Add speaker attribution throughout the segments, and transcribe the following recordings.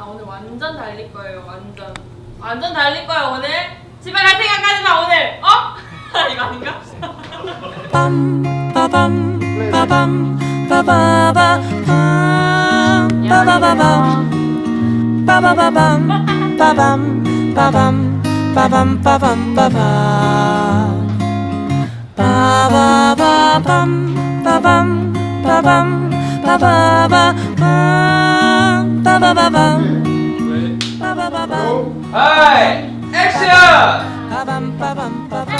Speaker 1: 나 오늘 완전 달릴 거예요. 완전 달릴 거야 오늘. 집에 갈 생각하지 마 오늘. 어? 이거 아닌가?
Speaker 2: 빠밤 빠밤 빠바바 빠바바밤 빠바바밤 빠밤 빠밤 빠밤 빠밤 빠밤 빠바바밤 빠밤 빠밤 빠바바밤 빠바바밤 빠바바밤
Speaker 3: 하이 액션!
Speaker 2: 빠밤 빠밤 빠밤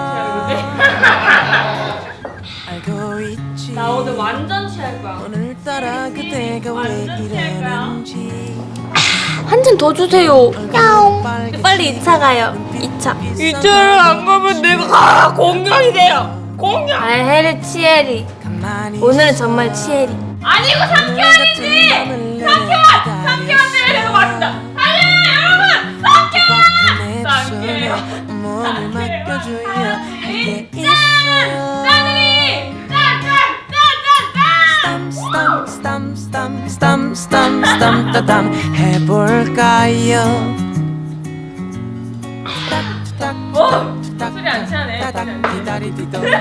Speaker 2: 알고 있지
Speaker 1: 나 오늘 완전 취할 거야.
Speaker 2: 오늘따라 그대가 왜 이러는지
Speaker 4: 한 잔 더 주세요. 야옹. 빨리 2차 가요. 2차.
Speaker 1: 2차를 안 가면 내가 공격이 돼요. 공격.
Speaker 4: 알헤리 치에리. 오늘은 정말 치에리.
Speaker 1: 아니고 3개월이지. 3개월 때문에 내가 맞다. 달려요 여러분. 3개월.
Speaker 2: 몸을 맡겨줘야 이게 있어
Speaker 1: 짠이.
Speaker 2: 땀땀땀땀땀땀땀땀 해볼까요?
Speaker 1: 소리 안 취하네.
Speaker 2: 기다리디도
Speaker 1: 이게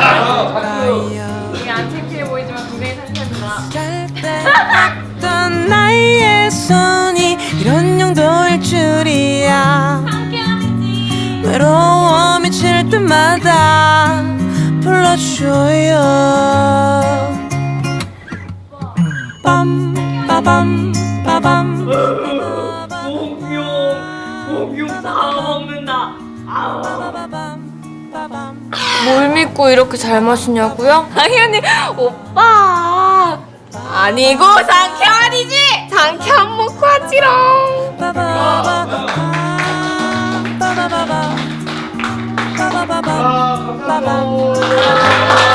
Speaker 1: 안 창피해 보이지만 굉장히 상쾌합니다.
Speaker 2: 잘빼었던 나의 손이 이런 용도일 줄이야 외로워 미칠 때마다 불러줘요 빰 빠밤 빠밤
Speaker 1: 목욕 다 먹는다.
Speaker 4: 뭘 믿고 이렇게 잘 마시냐고요? 당연히 오빠. 아니고 상쾌한이지. 상쾌한 먹고 하지롱.
Speaker 2: 빠바바바